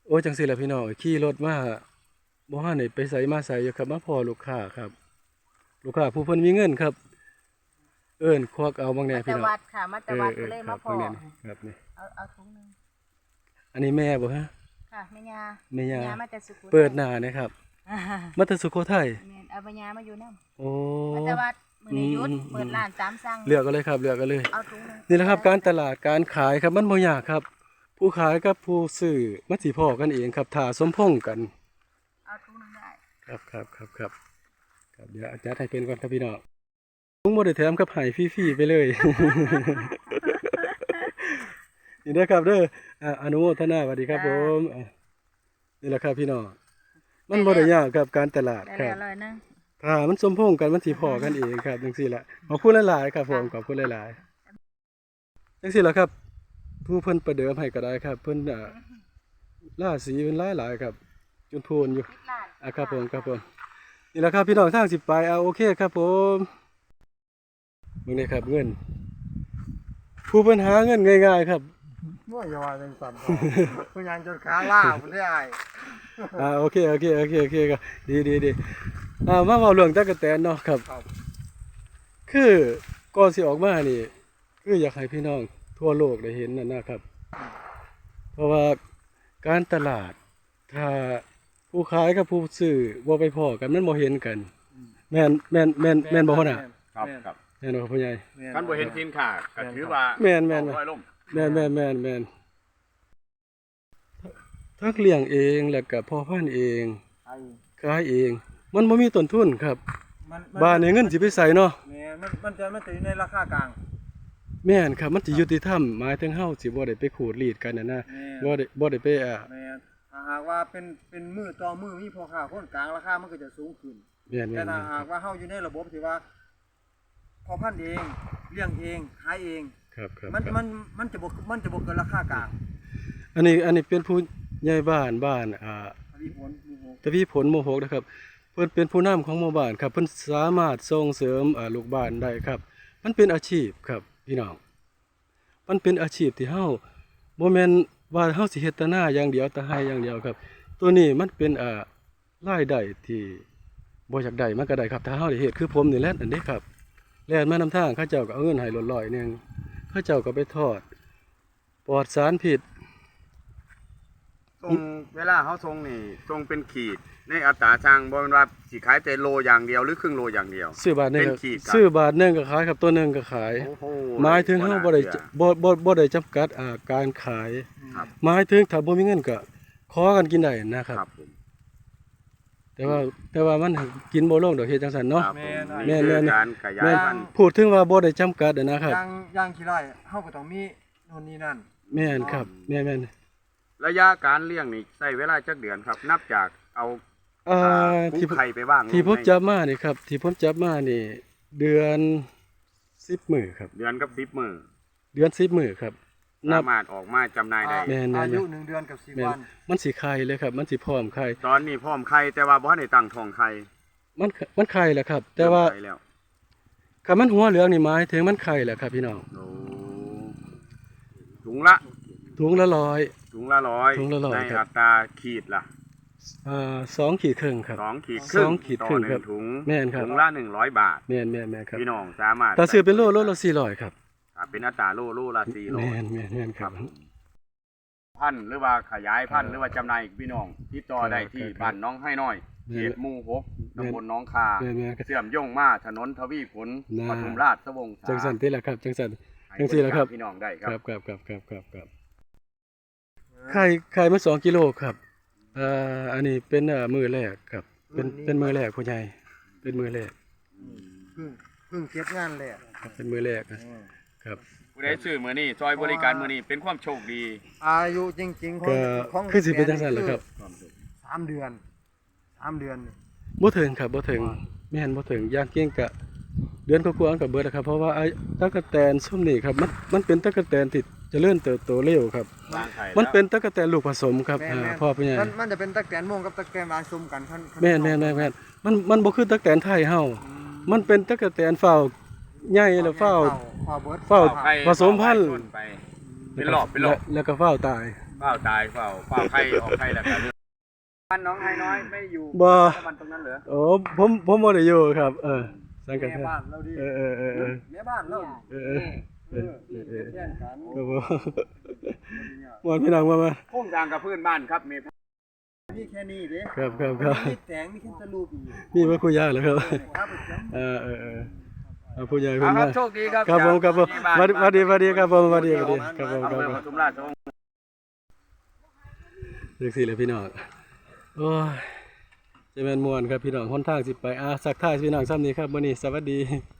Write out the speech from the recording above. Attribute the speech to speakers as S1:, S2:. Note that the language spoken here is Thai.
S1: โอ้จังซี่แหละพี่น้องขี่รถมาบ่ทันได้ไปไสมาไสอยู่ครับมาพ้อลูกค้าครับลูกค้าผู้เพิ่นมีเงินครับเอิ้นควักเอาบางแหน่
S2: มาแต่
S1: พี่น้อง
S2: วัดค่ะมาแต่วัดก็เลย
S1: ครั
S2: มา
S1: บ
S2: พอบ
S1: างแหน่นี่ครับนี่
S2: เอาถุงหนึง
S1: อันนี้แม่บ่ฮะ
S2: ค่ะแม่ยา
S1: แม่ย่า
S2: มาแต่สุโขทัย
S1: เปิดหน้านะครับมาแต่สุโขทัย
S2: แม่นเอาแม่ยามาอยู่นำ
S1: โอ้
S2: มาแต่วัดมื้อนี้หยุด
S1: อืม
S2: เปิดร้านตามสั่ง
S1: เลือกกันเลยครับเลือกกันเลย
S2: เอาถุงหนึง
S1: นี่แหละครับการตลาดการขายครับมันบ่ยากครับ ผู้ขายกับผู้ซื้อมันสิพ้อกันเองครับถ้าสมพงษ์กัน
S2: เอาถุงหนึงได้
S1: ครับเดี๋ยวอาจารย์ให้เป็นก่อนครับพี่น้องลุงบ่ได้แถมกับให้ฟรีๆไปเลย นี่เด้อครับเด้ออนุโมทนาสวัสดีครับผมนี่แหละครับพี่น้องมันบ่ได้ยากครับการตลาด
S2: ได้
S1: ครั
S2: แล้
S1: บ
S2: วร้อยหนึง
S1: ถ้ามันสมพงษ์กันมันสิพ้อกันเองครับจังซี่ล่ะขอบคุณหลายๆครับผมขอบคุณหลายๆจังซี่ล่ะครับ ผู้เพิ่นประเดิมให้ก็ได้ครับ เพิ่นล่าสีเพิ่นหลายๆครับจนพูนอยู่
S2: ปิดร้าน
S1: ครับผมนี่แหละครับพี่น้องทางสิไปโอเคครับผมมึงนี่ครับเงิน ผู้ปัญหาเงินง่ายๆครับ
S3: มั่วอย่าว่าจังสั่นต่อผู้ยังจนขาล่าบ่ได้อ้าย
S1: โอเคครับดีมาเว้าเรื่องตะกะแตนเนาะครับ คือก่อนสิออกมานี่คืออยากให้พี่น้องทั่วโลกได้เห็นนะครับ เพราะว่าการตลาดถ้าผู้ขายกับผู้ซื้อบ่ไปพ้อกันมันบ่เห็นกันแม่นบ่พ่อน่ะ
S4: ครับ
S1: แม่นบ่พ่อใหญ่
S4: ท่านบ่เห็นสินค้าก็ถือว่า
S1: แม่น
S4: ร้อยล่ม
S1: แม่นทักเลี้ยงเองแล้วก็พ่อพันธุ์เองขายเอง มันบ่มีต้นทุนครับบ้านนี้เงินสิไปใส่เนาะ
S3: แม่มันจะอยู่ในราคากลาง
S1: แม่นครับมันสิยุติธรรมหมายถึงเฮาสิบ่ได้ไปขูดรีดกันนะ
S3: แม่
S1: บ่ได้ไป
S3: แม่ถ้าหากว่าเป็นมือต่อมือมีพ่อค้าคนกลางราคามันก็จะสูงขึ้น
S1: แม่น
S3: แต่ถ้าหากว่าเฮาอยู่ในระบบที่ว่าพอพันธุ์เองเลี้ยงเองขายเอง
S1: ครับ
S3: มันจะบ่เกินราคากลาง
S1: อันนี้เป็นผู้ใหญ่บ้าน
S3: มีผลมีผล
S1: ตะพี่ผลโมโหกนะครับเพิ่นเป็นผู้นำของหมู่บ้านครับเพิ่นสามารถส่งเสริมลูกบ้านได้ครับ มันเป็นอาชีพครับพี่น้องมันเป็นอาชีพที่เฮาบ่แม่นว่าเฮาสิเฮ็ดแต่หน้าอย่างเดียวแต่ให้อย่างเดียวครับ ตัวนี้มันเป็นรายได้ที่บ่อยากได้มันก็ได้ครับถ้าเฮาได้เฮ็ดคือผมนี่แหละอันนี้ครับแล่นมานำทางเขาเจ้าก็เอาเงินให้ร้อยๆนึงเขาเจ้าก็ไปทอดปลอดสารพิษ
S4: ทรงเวลาเขาทรงนี่ทรงเป็นขีดในอัตราช่างบ่แม่นว่าสิขายแต่โลอย่างเดียวหรือครึ่งโลอย่างเดียว
S1: ซื้อบาทหนึง
S4: เป็นขีดครับ
S1: ซื้อบาทหนึงก็ขายครับตัวหนึงก็ขาย
S4: โอ้โห
S1: หมายถึงเฮาบ่ได้บ่ได้จำกัดการขาย
S4: ครับ
S1: หมายถึงถ้าบ่มีเงินก็ขอกันกินได้นะครับ
S4: ครับผม
S1: แต่ว่ามันกินบ่ลงดอกเฮ็ดจังซั่นเนาะ
S4: ครับผม
S1: แม่
S4: นี่
S1: น
S4: คือการขยายพันธุ์
S1: พูดถึงว่าบ่ได้จำกัดนะครับ
S3: อย่างขี้ไร่เฮาก็ต้องมีโน่นนี่นั่น
S1: แม่นครับแม่น
S4: ระยะการเลี้ยงนี่ใช้เวลาจักเดือนครับ นับจากเอา
S1: ที่
S4: ปูไข่ไปบ้าง
S1: ที่ผม
S4: ใน
S1: จับมานี่ครับที่ผมจับมานี่เดือน10มื้อครับ
S4: เดือนกับ10มื้อ
S1: เดือน10มื้อครับนับ
S4: สามารถออกมาจำหน่ายได้
S1: แม่น
S3: อายุ1 เดือนกับ10 วัน
S1: มันสิไข่เลยครับ มันสิพร้อมไข่
S4: ตอนนี้พร้อมไข่แต่ว่าบ่ทันได้ตั้งท้องไข่
S1: มันไข่แหละครับ แต่ว่า
S4: เริ่มไข่แล้ว
S1: คันมันหัวเหลืองนี่หมายถึงมันไข่แหละครับพี่น้อง
S4: โอ้ถุงละ
S1: ถุงละ100
S4: ถุงละร้อย
S1: ถุงละร้อย
S4: ใน
S1: ครับ
S4: อัตราขีดละ
S1: 2 ขีดครึ่งครับ
S4: 2 ขีดครึ่ง
S1: 2 ขีด
S4: ต่อ
S1: ครึ่ง
S4: ห
S1: ครั
S4: นึ่
S1: บ
S4: งถุง
S1: แม่นครับ
S4: ถุงละ100 บาท
S1: แม่นครับ
S4: พี่น้องสามารถ
S1: ถ้าซื้อเป็นโลละ400ครับ
S4: เป็นอัตราโลละ
S1: แม่น
S4: 400
S1: ครับ
S4: พันธุ์หรือว่าขยายพันธุ์หรือว่าจำหน่ายพี่น้องติดต่อได้ที่
S1: ครับ
S4: บ้านน้องให้น้อย
S1: แม่น
S4: เขตหมู่6ตำบลหน้องคา
S1: แม่นครับ
S4: เชื่อมโยงมาถนนทวีผล
S1: น่า
S4: ปทุมราชวงศ์
S1: จังสันติแหละครับจังสัน
S4: ให้
S1: จังสี่แหละครับ
S4: พี่น้องได้ค
S1: ครั
S4: รั
S1: บบไข่มา2 กิโลครับอันนี้เป็นมือแรกครับเป็นมือแรกผู้ใหญ่เป็นมือแรก
S3: เพิ่งเก็บงานแหละ
S1: ครับเป็นมือแรกนะครับ
S4: ผู้ใดซื้อมื้อนี้ซอยบริการมื้อนี้เป็นความโชคดี
S3: อายุจริงๆ
S1: ก็
S3: ของ
S1: คือสิเป็นจังซั่นแหละครับ
S3: 3 เดือน3 เดือน
S1: บ่ถึงครับบ่ถึงแม่นบ่ถึงย่างเก่งกะเดือนกว่าๆก็เบิดแล้วครับเพราะว่าไอ้ตั๊กแตนซุ่มนี่ครับมันเป็นตั๊กแตนที่เจริญเติบโตเร็วครับ
S4: วางไข่
S1: มันเป็นตั๊กแตนลูกผสมครับ
S3: แม่น
S1: พ่อผู้ใหญ่
S3: มันจะเป็นตะแกรงม่วงกับตะแกรงหวานซุ่มกันคัน
S1: แม่นมันบ่คือตั๊กแตนไทยเฮามันเป็นตั๊กแตนเฝ้าใหญ่แล้วเฝ้า
S3: เฝ้าเบิด
S1: เฝ้า
S4: ไข่
S1: ผสมพันธุ์
S4: ไปเป็นรอบ
S1: แล้วก็เฝ้าตาย
S4: เฝ้าตายเฝ้าไข่ออกไข่แล้วกันบ้านน้องไฮน้อยไม่อยู่
S1: บ่
S4: มันตรงนั้นเหรอ
S1: โอ้ผมบ่ได้อยู่ครับ สังกัด
S3: แม่บ้านเราดิ
S1: เออ
S3: แม่บ้านเรา
S1: เออ
S3: เป็นแย่งกัน
S1: ครับผมม่วนพี่น้องมา
S4: โค้งทางกับเพื่อนบ้านครับเมย์
S3: มีแค่นี้เด้
S1: ครับ
S3: มีแตงมีแค่ตะลูปอีก
S1: มีมาคุยยากแล้วครับ
S3: ครับประจำ
S1: เอาผู้ใหญ่
S4: ค
S1: เพิ่น
S4: รั
S1: มา
S4: บโชคดีครับ
S1: ครับผมครับผมสวัสดีครับผมสวัสดีครับผม
S4: อำเภอ
S1: ครับ
S4: ปทุมราช
S1: เรียกสิเลยพี่น้องโอ้ยจะแม่นม่วนครับพี่น้องหนทางสิไปสักทายพี่น้องซ้ำนี้ครับมื้อนี้สวัสดี